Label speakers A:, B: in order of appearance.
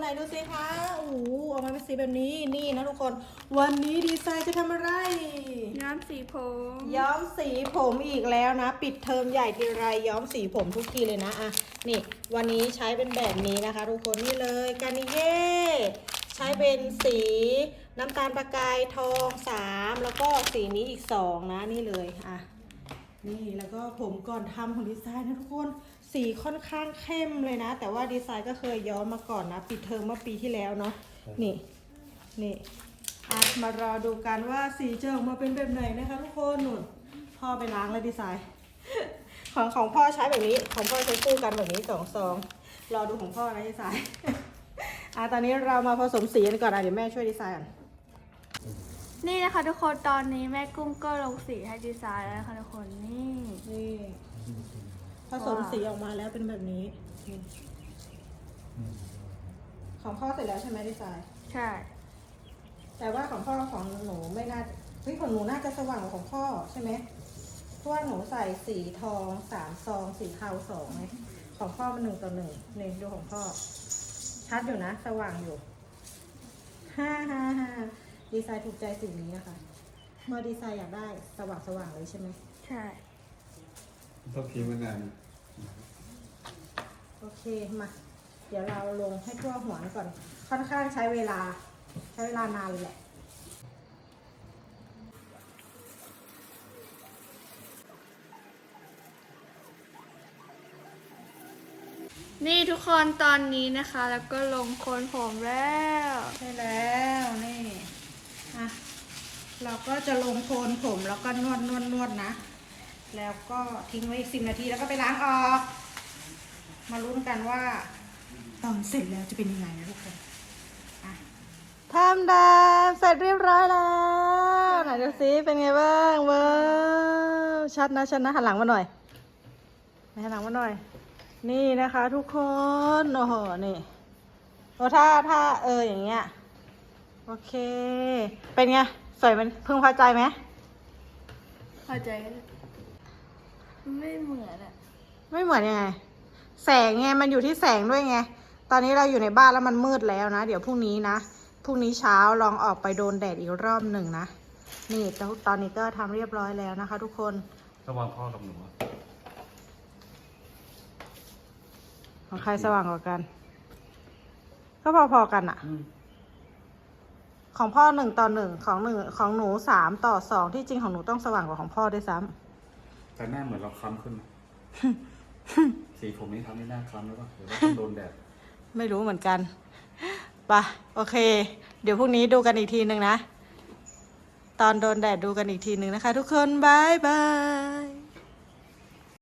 A: ไหนดูสิคะโอ้โหออกมาเป็นสีแบบนี้นี่นะทุกคนวันนี้ดีไซน์จะทำอะไร
B: ย้อมสีผม
A: ย้อมสีผมอีกแล้วนะปิดเทอมใหญ่ทีไรย้อมสีผมทุกทีเลยนะอ่ะนี่วันนี้ใช้เป็นแบบนี้นะคะทุกคนนี่เลยกานิเย่ใช้เป็นสีน้ำตาลประกายทอง3แล้วก็สีนี้อีก2นะนี่เลยอ่ะนี่แล้วก็ผมก่อนทำของดีไซน์นะทุกคนสีค่อนข้างเข้มเลยนะแต่ว่าดีไซน์ก็เคยย้อมมาก่อนนะปิดเทอมเมื่อปีที่แล้วเนาะนี่มารอดูกันว่าสีจะออกมาเป็นแบบไหนนะคะทุกคนหนุนพ่อไปล้างแล้วดีไซน์ ของพ่อใช้แบบนี้ของพ่อใช้คู่กันแบบนี้2 ซองรอดูของพ่อนะดีไซน์ ตอนนี้เรามาผสมสีกันก่อนเดี๋ยวแม่ช่วยดีไซน์ก่อน
B: นี่นะคะทุกคนตอนนี้แม่กุ้งก็ลงสีให้ดีไซน์แล้วนะคะทุกคนนี่
A: ผสมสีออกมาแล้วเป็นแบบนี้ของพ่อเสร็จแล้วใช่ไหมดีไซน์
B: ใช่
A: แต่ว่าของพ่อของหนูไม่น่าของหนูน่าจะสว่างกว่าของพ่อใช่ไหมเพราะว่าหนูใส่สีทอง3 ซองสีเทา2ไงของพ่อมัน1:1นี่ดูของพ่อชัดอยู่นะสว่างอยู่ดีไซน์ถูกใจสีนี้นะคะเมื่อดีไซน์อยากได้สว่างเลยใช่ไหม
B: ใช่
C: ต้องทิ้งไว้นาน
A: โอเคมาเดี๋ยวเราลงให้ทั่วหัวก่อนค่อนข้างใช้เวลานานเลยแหละ
B: นี่ทุกคนตอนนี้นะคะแล้วก็ลงโคนผมแล้ว
A: ใช่แล้วนี่เราก็จะลงโคนผมแล้วก็นวดนะแล้วก็ทิ้งไว้อีก10 นาทีแล้วก็ไปล้างออกมาลุ้นกันว่าตอนเสร็จแล้วจะเป็นยังไงนะทุกคนทำดามเสร็จเรียบร้อยแล้วไหนดูซิเป็นไงบ้างว้าวชัดนะหันหลังมาหน่อยหันหลังมาหน่อยนี่นะคะทุกคนโอ้โหนี่โอ้ถ้าอย่างเงี้ยโอเคเป็นไงสวยมันพึงพอใจไหม
B: พอใจไม่เหมือน
A: ไม่เหมือนยังไงแสงไงมันอยู่ที่แสงด้วยไงตอนนี้เราอยู่ในบ้านแล้วมันมืดแล้วนะเดี๋ยวพรุ่งนี้เช้าลองออกไปโดนแดดอีกรอบหนึ่งนะนี่ตอนนี้ก็ทำเรียบร้อยแล้วนะคะทุกคน
C: ระหว่างพ่อกับหนู
A: ของใครสว่างกว่ากันก็พอๆกันอะของพ่อ1:1ของหนู3:2ที่จริงของหนูต้องสว่างกว่าของพ่อด้วยซ้
C: ำแต่หน้าเหมือนเราคล้ำขึ้น สีผมนี้ทำให้หน้าคล้ำหรือเปล่าหรือว่าต้องโดนแดด
A: ไม่รู้เหมือนกันไปโอเคเดี๋ยวพรุ่งนี้ดูกันอีกทีหนึ่งนะตอนโดนแดดดูกันอีกทีหนึ่งนะคะทุกคนบายบาย